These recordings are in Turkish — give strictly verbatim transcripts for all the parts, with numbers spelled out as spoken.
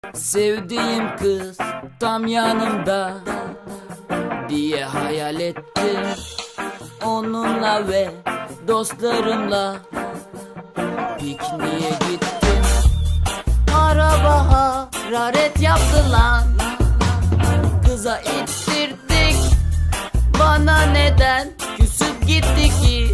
Sevdiğim kız tam yanımda diye hayal ettim. Onunla ve dostlarımla pikniğe gittim. Araba hararet yaptı lan, kıza ittirdik. Bana neden küsüp gitti ki?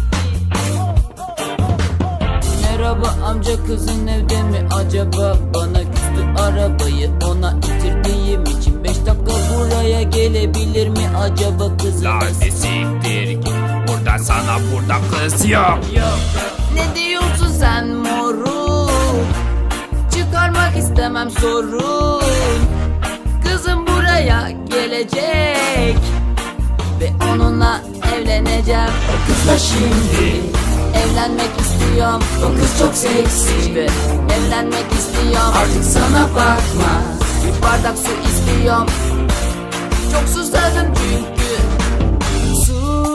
Merhaba amca, kızın evde mi acaba? Bana küstü arabayı ona ittirdiğim için. Beş dakika buraya gelebilir mi acaba kızın? Lan ne siktir git, burada sana burada kız yok. Yok. Ne diyorsun sen moruk? Çıkarmak istemem sorun. Kızım buraya gelecek ve onunla evleneceğim. O kızla şimdi evlenmek istiyorum. O kız çok seksi ve evlenmek istiyorum. Artık sana bakma, bir bardak su istiyorum. Çok susadım çünkü. Su.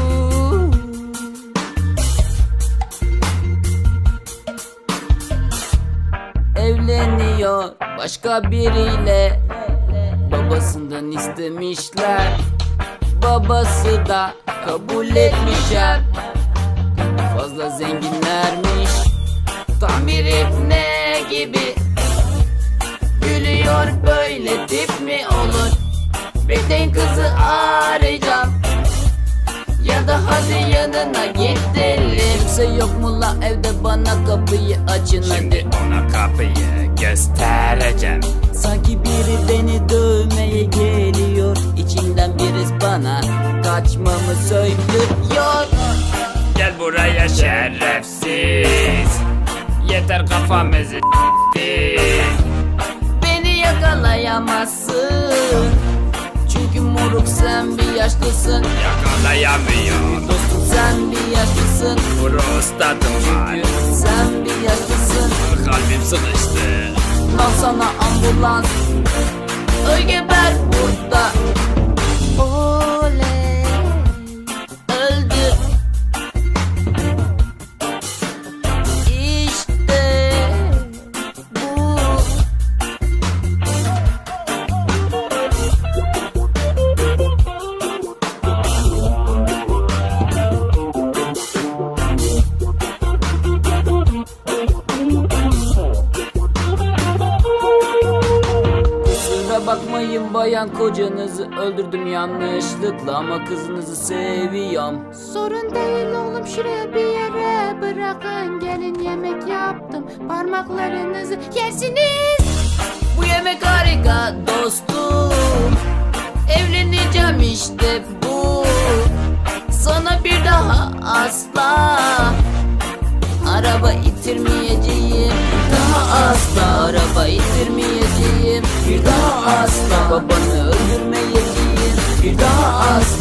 Evleniyor başka biriyle, babasından istemişler. Babası da kabul etmişler. Fazla zenginlermiş, tam bir ibne gibi. Gülüyor, böyle tip mi olur? Bekleyin, kızı arayacağım. Ya da hadi yanına gidelim. Kimse yok mu la evde, bana kapıyı açın Şimdi hadi. ona kapıyı göstereceğim. Sanki biri beni dövmeye geliyor. İçinden birisi bana kaçmamı söylüyor. Gel buraya şerefsiz, yeter kafamızı s**tin. Beni yakalayamazsın, çünkü moruk sen bir yaşlısın. Yakalayamıyor, Dostum sen bir yaşlısın, prostatım var, çünkü sen bir yaşlısın. kalbim sıkıştı. Al sana ambulans, öl geber burada. Oley, öldü. İşte bu. Kusura bakmayın bayan, kocanızı öldürdüm yanlışlıkla, ama kızınızı seviyorum. Sorun değil oğlum, şuraya bir yere bırakın, gelin yemek yaptım, parmaklarınızı yersiniz. Bu yemek harika dostum, evleneceğim işte bu. Sana bir daha asla araba ittirmeyeceğim. Bir daha asla araba ittirmeyeceğim. Bir daha asla babanı öldürmeyeceğim. Bir daha asla